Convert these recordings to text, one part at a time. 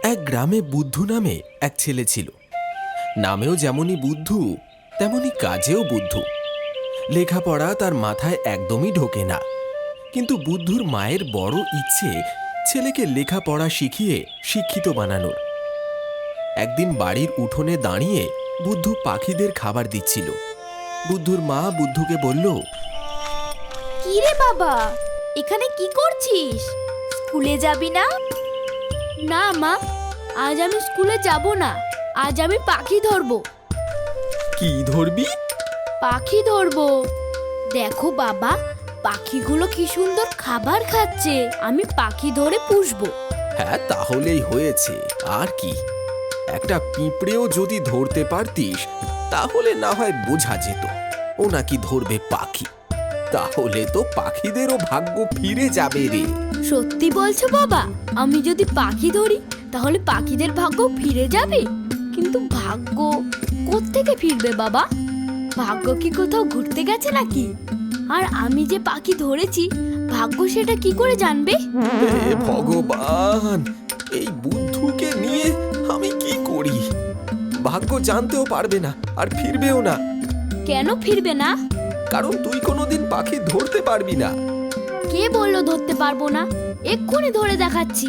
এক গ্রামে বুদ্ধু নামে এক ছেলে ছিল। নামেও যেমনই বুদ্ধু, তেমনি কাজেও বুদ্ধু। লেখাপড়া তার মাথায় একদমই ঢোকে না, কিন্তু বুদ্ধুর মায়ের বড় ইচ্ছে ছেলেকে লেখাপড়া শিখিয়ে শিক্ষিত বানানোর। একদিন বাড়ির উঠোনে দাঁড়িয়ে বুদ্ধু পাখিদের খাবার দিচ্ছিল। বুদ্ধুর মা বুদ্ধুকে বলল, কি রে বাবা, এখানে কি করছিস? স্কুলে যাবি না? না মা, আজ আমি স্কুলে যাব না। আজ আমি পাখি ধরবো। কি ধরবি? পাখি ধরবো। দেখো বাবা, পাখিগুলো কি সুন্দর খাবার খাচ্ছে। আমি পাখি ধরে পুষবো। হ্যাঁ, তাহলেই হয়েছে। আর কি, একটা পিঁপড়েও যদি ধরতে পারতিস তাহলে না হয় বোঝা যেত ও নাকি ধরবে পাখি। তাহলে তো পাখিদেরও ভাগ্য ফিরে যাবে রে। সত্যি বলছো বাবা? আমি যদি পাখি ধরি তাহলে পাখিদের ভাগ্য ফিরে যাবে? কিন্তু ভাগ্য কোত্থেকে ফিরবে বাবা? ভাগ্য কি কোথাও ঘুরতে গেছে নাকি? আর আমি যে পাখি ধরেছি, ভাগ্য সেটা কি করে জানবে? হে ভগবান, এই বুদ্ধুকে নিয়ে আমি কি করি? ভাগ্য জানতেও পারবে না আর ফিরবেও না। কেন ফিরবে না? কারণ তুই কোনোদিন পাখি ধরতে পারবি না। কে বললো ধরতে পারবো না? এক্ষুনি ধরে দেখাচ্ছি।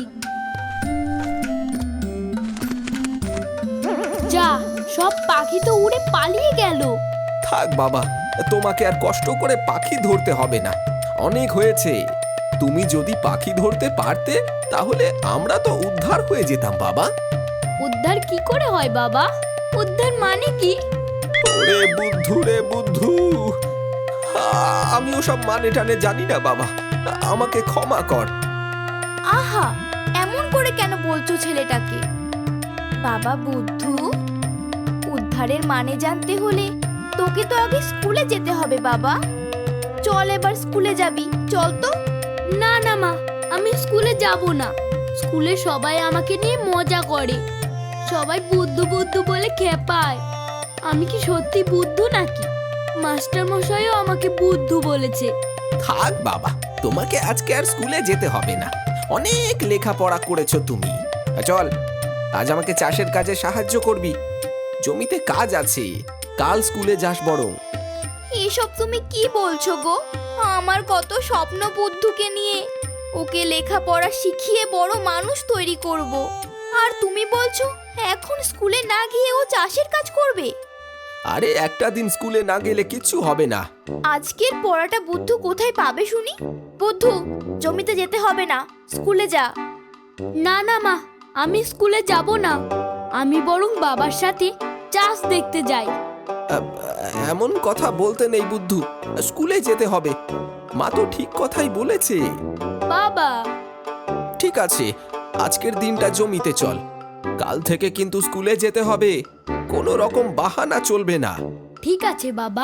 যা, সব পাখি তো উড়ে পালিয়ে গেল। থাক বাবা, তোমাকে আর কষ্ট করে পাখি ধরতে হবে না। অনেক হয়েছে। তুমি যদি পাখি ধরতে পারতে তাহলে আমরা তো উদ্ধার হয়ে যেতাম বাবা। উদ্ধার কি করে হয় বাবা? উদ্ধার মানে কি? ওরে বুদ্ধু রে বুদ্ধু, আমি ওসব মানে টানে জানি না বাবা, আমাকে ক্ষমা কর। আহা, এমন করে কেন বলছো ছেলেটাকে? বাবা বুদ্ধু, উদ্ধারের মানে জানতে হলে তোকে তো আগে স্কুলে যেতে হবে বাবা। চল এবার স্কুলে যাবি, চল তো। না না মা, আমি স্কুলে যাব না। স্কুলে সবাই আমাকে নিয়ে মজা করে। সবাই বুদ্ধু বুদ্ধু বলে খেপায়। আমি কি সত্যি বুদ্ধু নাকি? মাস্টার মশাইও আমাকে বুদ্ধু বলেছে। থাক বাবা, তোমাকে আজকে আর স্কুলে যেতে হবে না। অনেক লেখাপড়া করেছো তুমি। চল, আজ আমাকে চাষের কাজে সাহায্য করবি। জমিতে কাজ আছে, কাল স্কুলে যাস বরং। এসব তুমি কি বলছো গো? আমার কত স্বপ্ন বুদ্ধুকে নিয়ে। ওকে লেখাপড়া শিখিয়ে বড় মানুষ তৈরি করব। আর তুমি বলছো এখন স্কুলে না গিয়ে ও চাষের কাজ করবে? আরে একটা দিন স্কুলে না গেলে কিচ্ছু হবে না। আজকের পড়াটা বুদ্ধু কোথায় পাবে শুনি? বুদ্ধু, জমিতে যেতে হবে না, স্কুলে যা। না না মা, আমি স্কুলে যাব না। আমি বরং বাবার সাথে চাষ দেখতে যাই। এমন কথা বলতে নেই বুদ্ধু, স্কুলে যেতে হবে। মা তো ঠিক কথাই বলেছে। বাবা, ঠিক আছে, আজকের দিনটা জমিতে চল। কাল থেকে কিন্তু স্কুলে যেতে হবে। কোনো রকম বাহানা চলবে না। ঠিক আছে বাবা।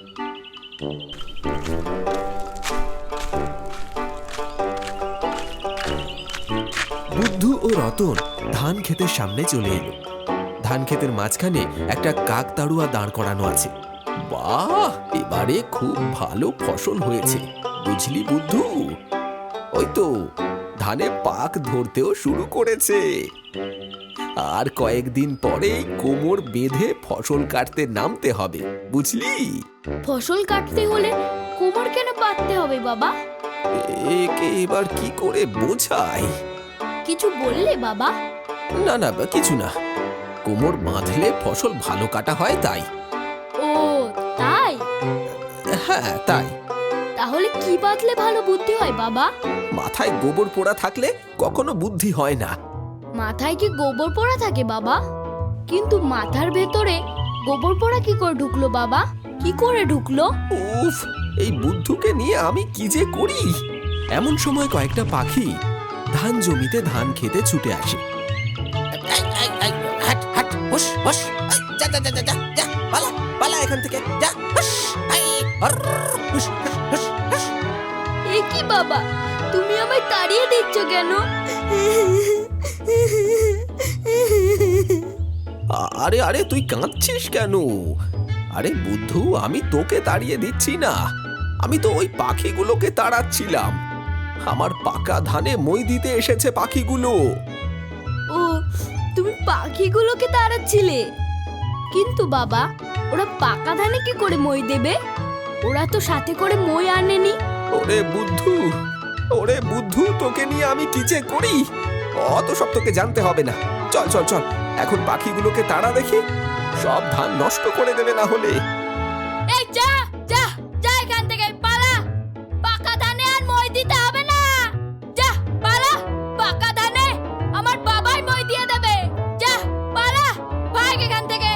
বুদ্ধু ও রতন ধান ক্ষেতের সামনে চলে এলো। ধান ক্ষেতের মাঝখানে একটা কাকতাড়ুয়া দাঁড় করানো আছে। বাহ, এবারে খুব ভালো ফসল হয়েছে, বুঝলি বুদ্ধু? ওই তো ধানে পাক ধরতেও শুরু করেছে। আর কয়েকদিন পরেই কোমর বেঁধে ফসল কাটতে নামতে হবে, বুঝলি? ফসল কাটতে হলে কোমর কেন বাঁধতে হবে বাবা? একে এবার কি করে বোঝাই? কিছু বললে বাবা? না না, কিছু না। কোমর বাঁধলে ফসল ভালো কাটা হয় তাই। ও তাই? হ্যাঁ তাই। তাহলে কি বাঁধলে ভালো বুদ্ধি হয় বাবা? মাথায় গোবর পোড়া থাকলে কখনো বুদ্ধি হয় না। মাথায় কি গোবর পোড়া থাকে বাবা? কিন্তু মাথার ভেতরে গোবর পোড়া কি করে ঢুকলো বাবা? কি করে ঢুকলো? উফ, এই বুদ্ধুকে নিয়ে আমি কি যে করি। এমন সময় কয়েকটা পাখি ধান জমিতে ধান খেতে ছুটে আসে। এখান থেকে যা। এ কি বাবা, তুমি আমায় তাড়িয়ে দিচ্ছ কেন? আরে আরে, তুই কাঁদছিস কেন? আরে বুদ্ধু, আমি তোকে তাড়িয়ে দিচ্ছি না, আমি তো ওই পাখিগুলোকে তাড়াচ্ছিলাম। আমার পাকা ধানে মই দিতে এসেছে পাখিগুলো। ও তুমি পাখিগুলোকে তাড়াচ্ছিলে, কিন্তু বাবা ওরা পাকা ধানে কি করে মই দেবে? ওরা তো সাথে করে মই আনেনি। ওরে বুদ্ধু, তোকে নিয়ে আমি কি যে করি, অত সব তোকে জানতে হবে না। চল চল চল, এখন পাখিগুলোকে তাড়া দেখি, সব ধান নষ্ট করে দেবে না হলে। এই যা যা যা এখান থেকে, পালা। পাকা ধানে আর মই দিতে হবে না। যা পালা, পাকা ধানে আমার বাবাই মই দিয়ে দেবে। যা পালা, ভাগ এখান থেকে।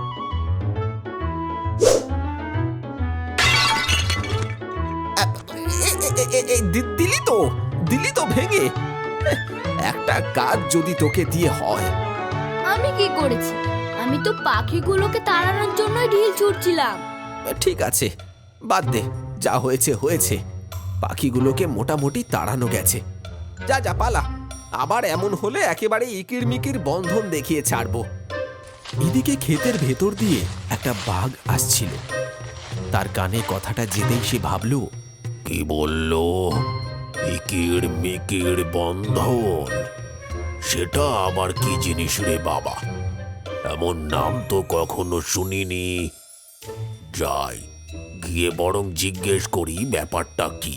দিলি তো ভেঙে। একটা কাজ যদি তোকে দিয়ে হয়। আমি কি করেছি? আমি তো পাখিগুলোকে তাড়ানোর জন্যই ঢিল ছুটছিলাম। ঠিক আছে, বাদ দে, যা হয়েছে হয়েছে। পাখিগুলোকে মোটামুটি তাড়ানো গেছে। যা যা পালা, আবার এমন হলে একেবারে ইকির মিকির বন্ধন দেখিয়ে ছাড়বো। এদিকে ক্ষেতের ভেতর দিয়ে একটা বাঘ আসছিল। তার কানে কথাটা যেতেই সে ভাবল, কি বলল? ইকির মিকির বন্ধন, সেটা আবার কি জিনিস রে বাবা? এমন নাম তো কখনো শুনিনি। যাই গিয়ে বরং জিজ্ঞেস করি ব্যাপারটা কি।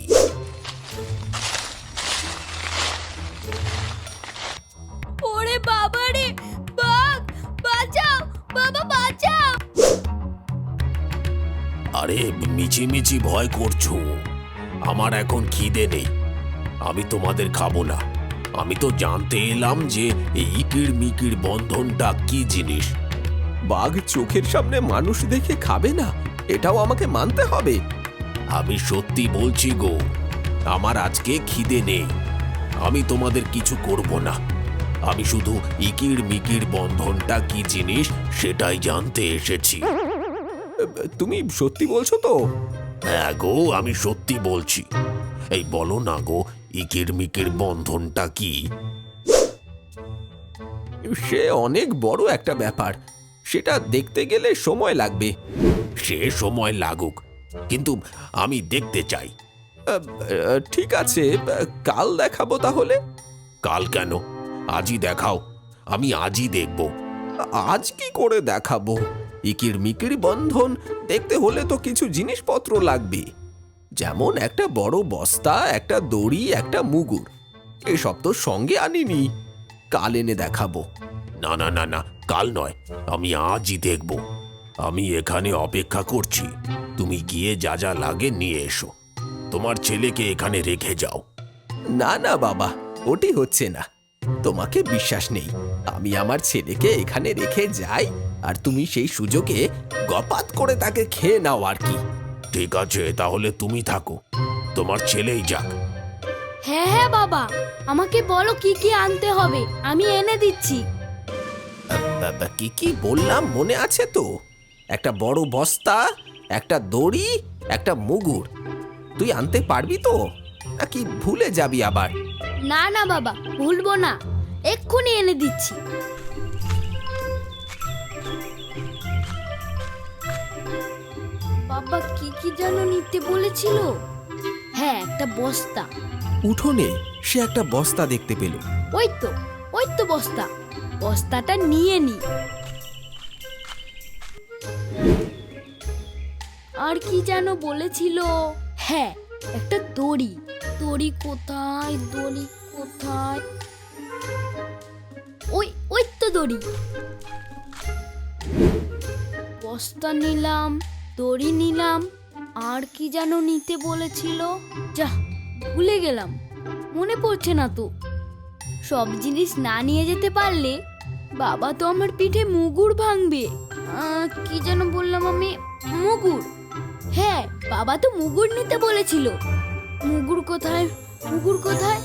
ওরে বাবা রে, বাঘ! বাঁচাও বাবা, বাঁচাও! আরে মিছিমিছি ভয় করছো, আমার এখন খিদে নেই, আমি তোমাদের খাবো না। আমি তো জানতে এলাম যে এই ইকির মিকির বন্ধনটা কি জিনিস। বাঘ চোখের সামনে মানুষ দেখে খাবে না, এটাও আমাকে মানতে হবে। আমি সত্যি বলছি গো, আমার আজকে খিদে নেই, আমি তোমাদের কিছু করব না। আমি শুধু ইকির মিকির বন্ধনটা কি জিনিস সেটাই জানতে এসেছি। তুমি সত্যি বলছো তো? হ্যাঁ গো, আমি সত্যি বলছি। এই বলো না গো, ইকির মিকির বন্ধনটা কি? সে অনেক বড় একটা ব্যাপার, সেটা দেখতে গেলে সময় লাগবে। সে সময় লাগুক, কিন্তু আমি দেখতে চাই। ঠিক আছে, কাল দেখাবো তাহলে। কাল কেন, আজই দেখাও, আমি আজই দেখব। আজ কি করে দেখাবো? ইকির মিকির বন্ধন দেখতে হলে তো কিছু জিনিসপত্র লাগবে, যেমন একটা বড় বস্তা, একটা দড়ি, একটা মুগুর। এসব তো সঙ্গে আনিনি, কাল এনে দেখাবো। না না না না, কাল নয়, আমি আজই দেখব। আমি এখানে অপেক্ষা করছি, তুমি গিয়ে যা যা লাগে নিয়ে এসো। তোমার ছেলেকে এখানে রেখে যাও। না না বাবা, ওটি হচ্ছে না, তোমাকে বিশ্বাস নেই। আমি আমার ছেলেকে এখানে রেখে যাই, আর তুমি সেই সুযোগে গপাত করে তাকে খেয়ে নাও আর কি। ঠিক আছে, তাহলে তুমি থাকো, তোমার ছেলেই যাক। হ্যাঁ হ্যাঁ বাবা, আমাকে বলো কি কি আনতে হবে, আমি এনে দিচ্ছি। কি কি বললাম মনে আছে তো? একটা বড় বস্তা, একটা দড়ি, একটা মুগুর। তুই আনতে পারবি তো, নাকি ভুলে যাবি আবার? না না বাবা, ভুলবো না, এক্ষুনি এনে দিচ্ছি। বাবা কি কি যেন নিতে বলেছিল? হ্যাঁ, একটা বস্তা। উঠোনে সে একটা বস্তা দেখতে পেল। ওই তো বস্তা, বস্তাটা নিয়ে নি। আর কি যেন বলেছিল? হ্যাঁ, একটা দড়ি। দড়ি কোথায়, দড়ি কোথায়? ওই তো দড়ি। বস্তা নিলাম, দড়ি নিলাম, আর কি যেন নিতে বলেছিল, যা ভুলে গেলাম, মনে পড়ছে না তো। সব জিনিস না নিয়ে যেতে পারলে বাবা তো আমার পিঠে মুগুর ভাঙবে। কি যেন বললাম আমি? মুগুর। হ্যাঁ, বাবা তো মুগুর নিতে বলেছিল। মুগুর কোথায়, মুগুর কোথায়?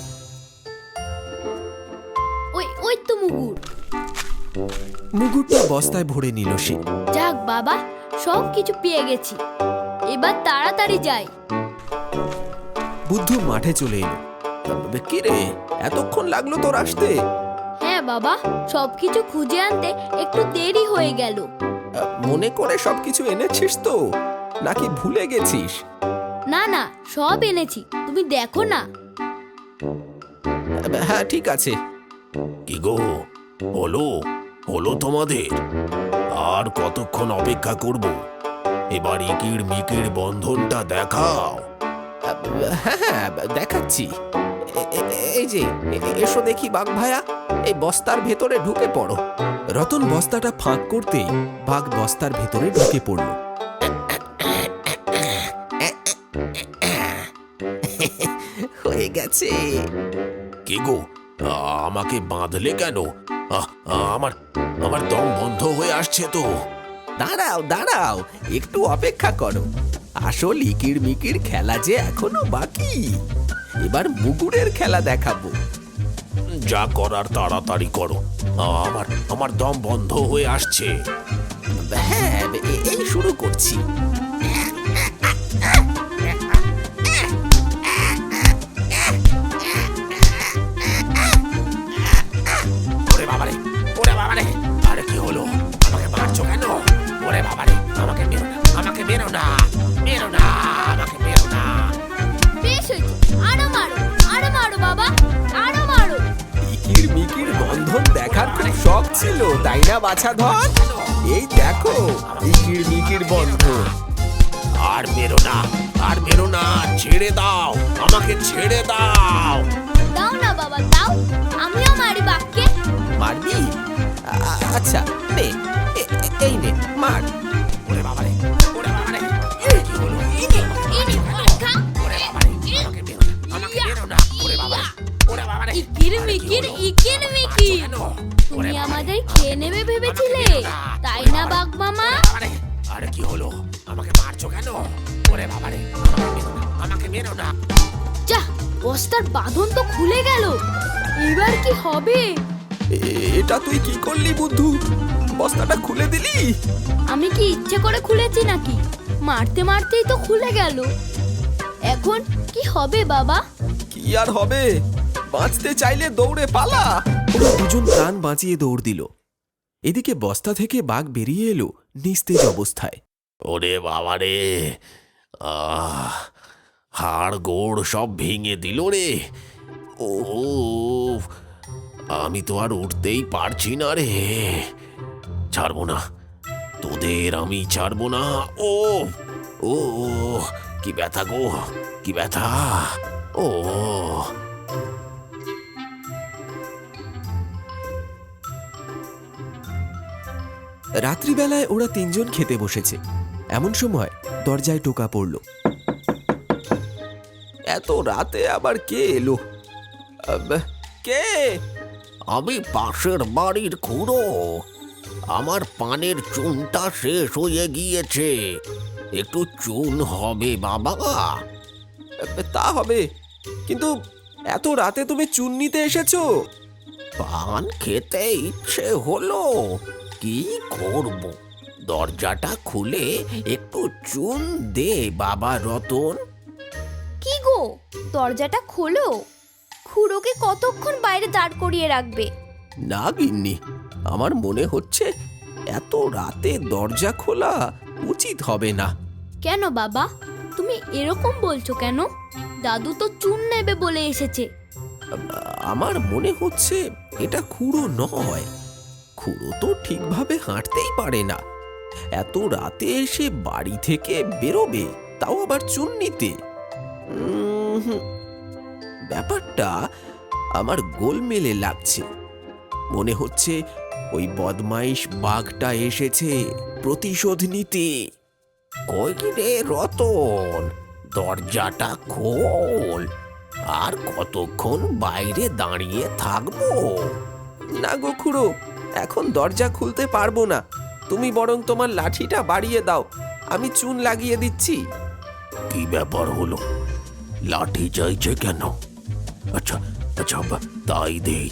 ওই তো মুগুর। মুগুরটা বস্তায় ভরে নিল সে। যাক বাবা, সব কিছু পেয়ে গেছি, এবার তাড়াতাড়ি যাই। বুদ্ধু মাঠে চলে এলো। কি রে, এতক্ষণ লাগলো তোর আসতে? হ্যাঁ বাবা, সবকিছু খুঁজে আনতে একটু দেরি হয়ে গেল। মনে করে সবকিছু এনেছিস তো, নাকি ভুলে গেছিস? না না, সব এনেছি, তুমি দেখো না। হ্যাঁ ঠিক আছে। কি গো, হলো হলো তোমাদের? আর কতক্ষণ অপেক্ষা করব? এবার ইকির মিকির বন্ধনটা দেখাও। হ্যাঁ হ্যাঁ, দেখাচ্ছি। এই যে, এসো দেখি বাঘ ভায়া, এই বস্তার ভেতরে ঢুকে পড়ো। রতন বস্তাটা ফাঁক করতেই বাঘ বস্তার ভেতরে ঢুকে পড়ল। হয়ে গেছে। কি গো, আমাকে বাঁধলে কেন? আমার আমার দম বন্ধ হয়ে আসছে তো। দাঁড়াও দাঁড়াও, একটু অপেক্ষা করো। আসল ইকির মিকির খেলা যে এখনো বাকি। এবার মুগুরের খেলা দেখাবো। যা করার তাড়াতাড়ি করো, আমার আমার দম বন্ধ হয়ে আসছে। হ্যাঁ, এই শুরু করছি। ওরে বাবারে, ওরে বাবারে, আরে কি হলো? আমাকে মারছো কেন? ওরে বাবারে, আমাকে মেরো না, আমাকে মেরো না, মেরো না, আমাকে মেরো না। বেশ হয়েছে, আরো মারো, আরো মারো বাবা, আরো মারো। ইকির মিকির বন্ধন দেখার খুব শখ ছিল, তাই না বাছা ধন? এই দেখো ইকির মিকির বন্ধন। আর মেরো না, আর মেরো না, ছেড়ে দাও, আমাকে ছেড়ে দাও। দাও না বাবা, দাও, আমিও মারি বাঘকে। মারবি? আচ্ছা নে, এই নে মার। ওরে বাবারে, ওরে বাবারে, কি হলো? ইনি খা। ওরে বাবারে, আমাকে মেরো না, আমাকে মেরো না, ওরে বাবারে, ওরে বাবারে। ইকির মিকির, ইকির মিকির। কেন? তুমি আমাদের খেয়ে নেবে ভেবেছিলে, তাই না বাঘ মামা? বাবারে, আরে কি হলো? আমাকে মারছো কেন? ওরে বাবারে, আমাকে মেরো না, আমাকে মেরো না। যা, বস্তার বাঁধন তো খুলে গেল, এবার কি হবে? এটা তুই কি করলি বুদ্ধু? বস্তাটা খুলে দিলি? আমি কি ইচ্ছে করে খুলেছি নাকি? মারতে মারতেই তো খুলে গেল। এখন কি হবে বাবা? কি আর হবে, বাঁচতে চাইলে দৌড়ে পালা। ওরা দুজন প্রাণ বাঁচিয়ে দৌড় দিল। এদিকে বস্তা থেকে বাঘ বেরিয়ে এলো নিস্তেজ অবস্থায়। ওরে বাবারে, হাড় গোড় সব ভেঙে দিল রে। ও, আমি তো আর উঠতেই পারছি না রে। ছাড়বো না, তোদের আমি ছাড়বো না। ও ও, কি ব্যথা গো, কি ব্যথা। ও, রাত্রিবেলায় ওরা তিনজন খেতে বসেছে। এমন সময় দরজায় টোকা পড়ল। এত রাতে আবার কে এলো? কে? আমি পাশের বাড়ির খুড়ো। আমার পানের চুনটা শেষ হয়ে গিয়েছে, একটু চুন হবে বাবা। তা হবে, কিন্তু এত রাতে তুমি চুন নিতে এসেছো? পান খেতে ইচ্ছে হলো, কি করব? দরজাটা খুলে একটু চুন দে বাবা রতন। কি গো, দরজাটা খোলো। খুড়োকে কতক্ষণ বাইরে দাঁড় করিয়ে রাখবে? না গিন্নি, আমার মনে হচ্ছে এত রাতে দরজা খোলা উচিত হবে না। কেন বাবা, তুমি এরকম বলছো কেন? দাদু তো চুন নেবে বলে এসেছে। আমার মনে হচ্ছে এটা খুড়ো নয়। খুড়ো তো ঠিকভাবে হাঁটতেই পারে না, এত রাতে এসে বাড়ি থেকে বেরোবে, তাও আবার চুন নিতে। ব্যাপারটা আমার গোলমেলে লাগছে। মনে হচ্ছে ওই বদমাইশ বাঘটা এসেছে প্রতিশোধ নিতে। কই রে রতন, দরজাটা খোল। আর কতক্ষণ বাইরে দাঁড়িয়ে থাকবো? না গো খুড়ো, এখন দরজা খুলতে পারবো না। তুমি বরং তোমার লাঠিটা বাড়িয়ে দাও, আমি চুন লাগিয়ে দিচ্ছি। কি ব্যাপার হলো? লাঠি চাইছে কেন? আচ্ছা আচ্ছা, তাই দেই।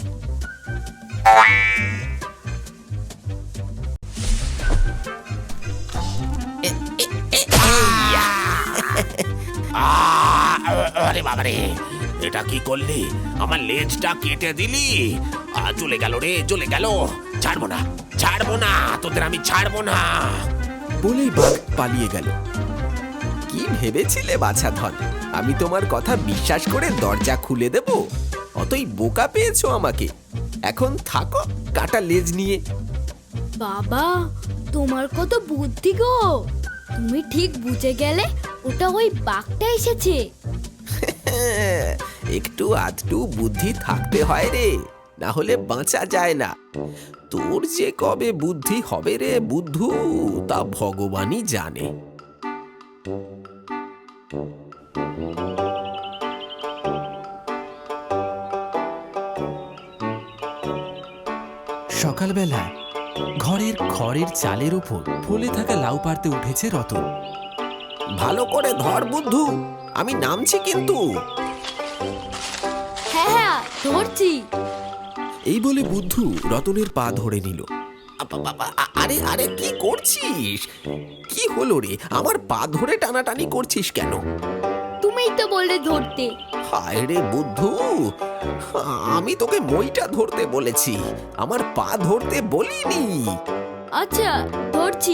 আরে বাবারে, এটা কি করলি? আমার লেজটা কেটে দিলি। চলে গেল রে, চলে গেল। ছাড়বো না, ছাড়বো না, তোদের আমি ছাড়বো না। বলেই বাঘ পালিয়ে গেল। কি ভেবেছিলে বাছা ধন, আমি তোমার কথা বিশ্বাস করে দরজা খুলে দেব? অতই বোকা পেয়েছো আমাকে? এখন থাকো কাটা লেজ নিয়ে। বাবা, তোমার কত বুদ্ধি গো! তুমি ঠিক বুঝে গেলে ওটা ওই বাঘটা এসেছে। একটু আধটু বুদ্ধি থাকতে হয় রে, না হলে বাঁচা যায় না। তোর যে কবে বুদ্ধি হবে রে বুদ্ধু, তা ভগবানই জানে। সকালবেলা ঘরের খড়ের চালের উপর ফলে থাকা লাউ পাড়তে উঠেছে রতন। ভালো করে ধর বুদ্ধু, আমি নামছি কিন্তু। হ্যাঁ হ্যাঁ, ধরছি। এই বলে বুদ্ধু রতনের পা ধরে নিল। আরে আরে কি করছিস? কি হলো রে, আমার পা ধরে টানাটানি করছিস কেন? তুমিই তো বললে ধরতে। হায় রে বুদ্ধু, আমি তোকে মইটা ধরতে বলেছি, আমার পা ধরতে বলিনি। আচ্ছা, ধরছি।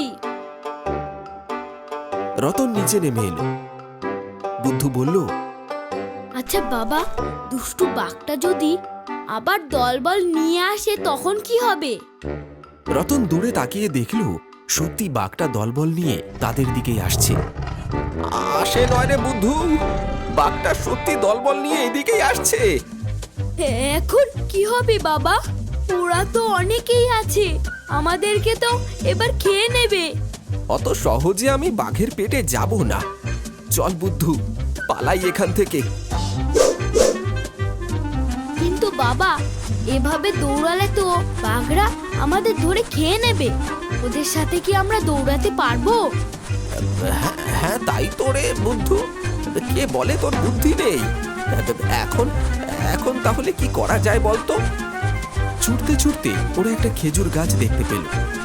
রতন নিচে নেমে এলো। বুদ্ধু বলল, আচ্ছা বাবা, দুষ্টু বাঘটা যদি আবার দলবল নিয়ে আসে তখন কি হবে? রতন দূরে তাকিয়ে দেখল সত্যি বাঘটা দলবল নিয়ে তাদের দিকেই আসছে। আসে নয় রে বুদ্ধু, বাঘটা সত্যি দলবল নিয়ে এদিকেই আসছে। এখন কি হবে বাবা? ওরা তো অনেকেই আছে, আমাদেরকে তো এবার খেয়ে নেবে। অত সহজে আমি বাঘের পেটে যাব না। চল বুদ্ধু, পালাই এখান থেকে। কিন্তু বাবা, এভাবে দৌড়ালে তো বাঘরা আমাদের ধরে খেয়ে নেবে। ওদের সাথে কি আমরা দৌড়াতে পারবো? হ্যাঁ তাই তো রে বুদ্ধু, কে বলে তোর বুদ্ধি নেই? এখন এখন তাহলে কি করা যায় বলতো? ছুটতে ছুটতে ওরা একটা খেজুর গাছ দেখতে পেল।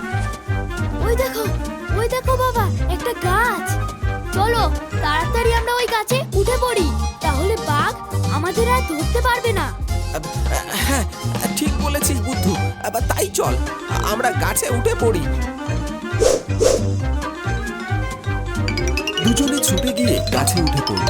ওই দেখো বাবা, একটা গাছ। চলো তাড়াতাড়ি আমরা ওই গাছে উঠে পড়ি, তাহলে বাঘ আমাদের আর ধরতে পারবে না। হ্যাঁ ঠিক বলেছিস বুদ্ধু, তাই চল আমরা গাছে উঠে পড়ি। দুজনে ছুটে গিয়ে গাছে উঠে পড়ল।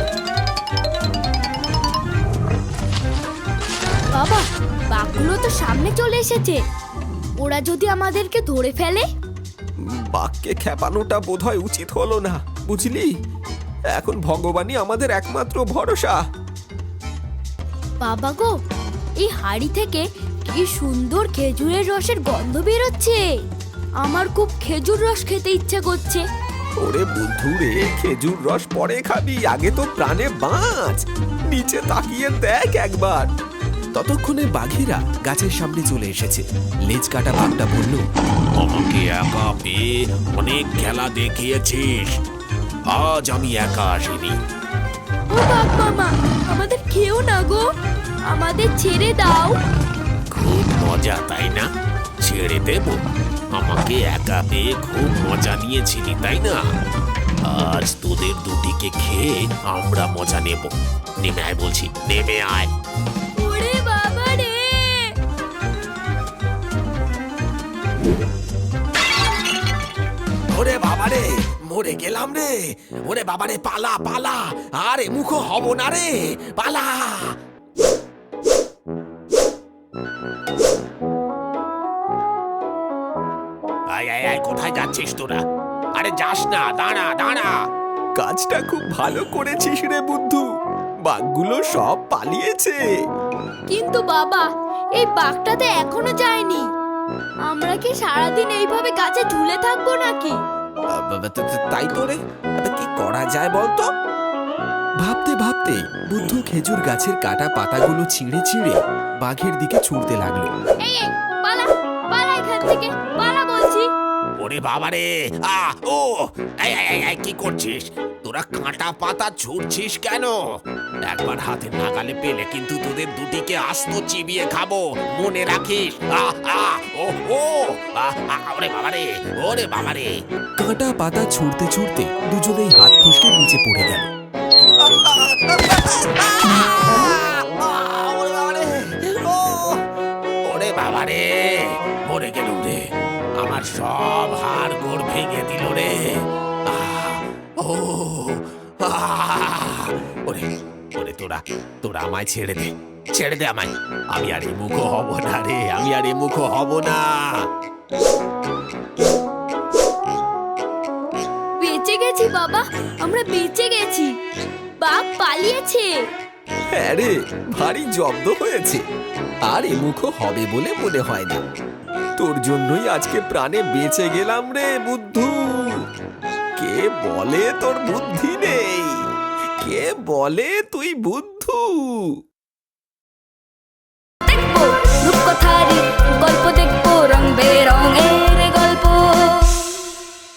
বাবা, বাঘগুলো তো সামনে চলে এসেছে। ওরা যদি আমাদেরকে ধরে ফেলে? বাঘকে খেপানোটা বোধহয় উচিত হলো না, বুঝলি? এখন ভগবানই আমাদের একমাত্র ভরসা। বাবা গো, এই হাড়ি থেকে কি সুন্দর খেজুরের রসের গন্ধ বেরোচ্ছে। আমার খুব খেজুর রস খেতে ইচ্ছে করছে। ওরে বন্ধু রে, খেজুর রস পরে খাবি, আগে তো প্রাণে বাঁচ। নিচে তাকিয়ে দেখ একবার। ততক্ষণে বাঘেরা গাছের সামনে চলে এসেছে। লেজ কাটা বাঘটা বলল, আমাকে একা পেয়ে অনেক খেলা দেখিয়েছিস, আজ আমি একা আসিনি। ও বাঘ মামা, আমাদের খেও না গো, আমাদের ছেড়ে দাও। খুব মজা তাই না? ছেড়ে দেব? আমাকে একা পেয়ে খুব মজা নিয়েছিলি তাই না? আজ তোদের দুটিকে খেয়ে আমরা মজা নেব। নেমে আয় বলছি, নেমে আয়। ওরে বাবা রে! ওরে বাবারে, মরে গেলাম রে। ওরে বাবারে, পালা পালা, আরে মুখো হব না রে, পালা। আয় আয় আয়, কোথায় যাচ্ছিস তোরা? আরে যাস না, দাঁড়া দাঁড়া। কাজটা খুব ভালো করেছিস রে বুদ্ধু, বাঘগুলো সব পালিয়েছে। কিন্তু বাবা, এই বাঘটাতে এখনো যায়নি। আমরা কি সারাদিন এইভাবে গাছে ঝুলে থাকবো নাকি? তাই তো রে, কি করা যায় বলতো? ভাবতে ভাবতে বুদ্ধু খেজুর গাছের কাটা পাতাগুলো ছিঁড়ে ছিঁড়ে বাঘের দিকে ছুটতে লাগলো। এই এই, পালা পালা এখান থেকে, পালা বলছি। ওরে বাবারে, ও এই এই এই, এই, কি করছিস তোরা? কাঁটা পাতা ছুঁড়ছিস কেন? একবার হাতে নাগালে পেলে কিন্তু তোদের দুটিকে আস্ত চিবিয়ে খাবো, মনে রাখিস। ও ও ওরে বাবারে, ওরে বাবারে। কাঁটা পাতা ছুঁড়তে ছুঁড়তে দুজনেই হাত ফসকে নিচে পড়ে গেল। ওরে বাবারে, মরে গেল রে, আমার সব হাড় গোড় ভেঙে দিল রে। ওরে ওরে, তোরা তোরা আমায় ছেড়ে দে, ছেড়ে দে আমায়। আমি আর এই মুখো হব না রে, আমি আর এই মুখো হব না। বেঁচে গেছি বাবা, আমরা বেঁচে গেছি। বাঘ পালিয়েছে। হ্যাঁ রে, ভারী জব্দ হয়েছে। আর এ মুখো হবে বলে মনে হয় না। তোর জন্যই আজকে প্রাণে বেঁচে গেলাম রে বুদ্ধু। কে বলে তোর বুদ্ধি নেই? কে বলে তুই বুদ্ধু? দেখবো রূপকথারই গল্প, দেখবো রং বেরঙের